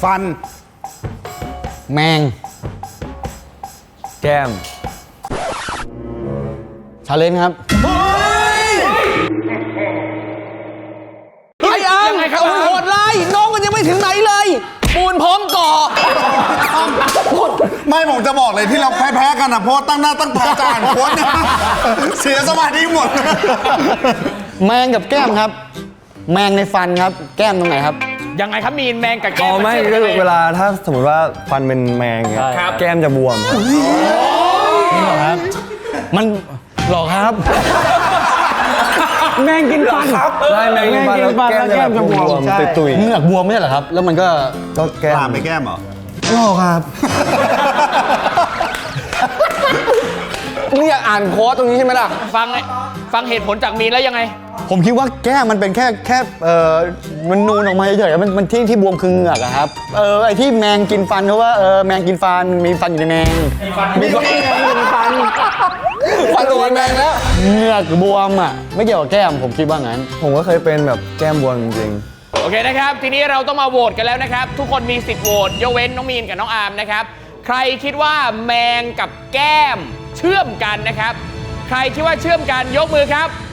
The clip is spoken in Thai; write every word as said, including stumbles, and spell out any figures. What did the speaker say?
ฟันแมงแก้มชาเลนจ์ครับไอ้อังยังไงครับโหดร้ายน้องมันยังไม่ถึงไหนเลยปูนพร้อมก่อไม่ผมจะบอกเลยที่เราแพ้ๆกันนะเพราะตั้งหน้าตั้งตาจะอ่านโค้ดเนี่ยเสียสมาธิหมดแมงกับแก้มครับแมงในฟันครับแก้มตรงไหนครับยังไงครับมีนแมงกับแก้มอ๋อไม่ก็เวลาถ้าสมมติว่าฟันเป็นแมงเงี้ยแก้มจะบวมนี่หรอครับมันหรอครับแมงกินฟันใช่แมงกินฟันแล้วแก้มจะแบบบวมๆตุยๆเหงือกบวมไม่ใช่เหรอครับแล้วมันก็ก็แก้มตามไปแก้มเหรอหรอครับนี่อยากอ่านโค้ดตรงนี้ใช่ไหมล่ะฟังฟังเหตุผลจากมีนแล้วยังไงผมคิดว่าแก้มมันเป็นแค่แค่เออมันนูนออกมาเฉยๆมันมันที่ที่บวมคือเหงือกอะครับเออไอที่แมงกินฟันเพราะว่าเออแมงกินฟันมีฟันอยู่ในแมงมีฟันมีฟันมีฟันฟันตัวแมงแล้วเหงือกบวมอะไม่เกี่ยวกับแก้มผมคิดว่างั้นผมก็เคยเป็นแบบแก้มบวมจริงโอเคนะครับทีนี้เราต้องมาโหวตกันแล้วนะครับทุกคนมีสิทธิ์โหวตยกเว้นน้องมีนกับน้องอาร์มนะครับใครคิดว่าแมงกับแก้มเชื่อมกันนะครับใครคิดว่าเชื่อมกันยกมือครับ